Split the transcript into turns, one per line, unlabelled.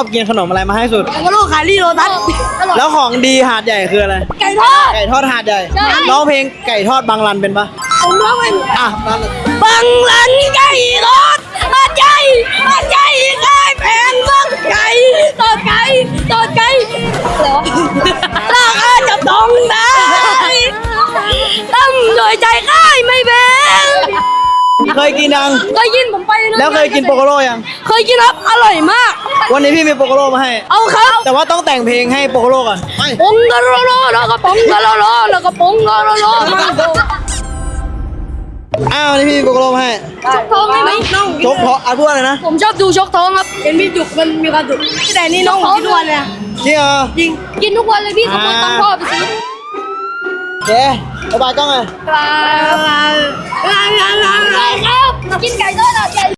อบกินขนมอะไรมาให้สุด
โกโลขายลีโรตัส
แล้วของดีหาดใหญ่คืออะไร
ไก่ทอด
ไก่ทอดหาดใหญ่
ใช่
ร้องเพลงไก่ทอดบางรันเป็นปะ
ผมร้องเป็น
อ่ะนั่น
บังลันไก่ทอดมาใจมาใจไก่แพงต้นไก่ต้นไก่ต้นไก่เหรอลากอาจะต้องได้ตั้มโดยใจค่ายไม่เป็น
เคยกินยัง
เคยกินผมไปนะ
แล้วเคยกินโปโกโลยัง
เคยกินครับอร่อยมาก
วันนี้พี่มีโปโกโลมาให้
เอาครับ
แต่ว่าต้องแต่งเพลงให้โปโกโลก่อนไป
ปงกะโลโลแล้วก็ปงกะโลโลแล้วก็ปงกะโลโลมาโด
อ้าววันนี้พี่มีโปโกโลมาให้
ชกท้องได้ไหมน้อง
ชกเพราะอ่ะพูดอะไรนะ
ผมชอบดูชกท้องครับเห็นพี่จุกมันมีความสุขแต่นี่น้องกินทุกวันเลย
จริงเหรอ
จริงกินทุกวันเลยพี่ขโมยตังค์พ่อไปซื้อ
เจ๊บ๊ายบายกล้องเลย
ครับกินไก่ทอดอ่ะ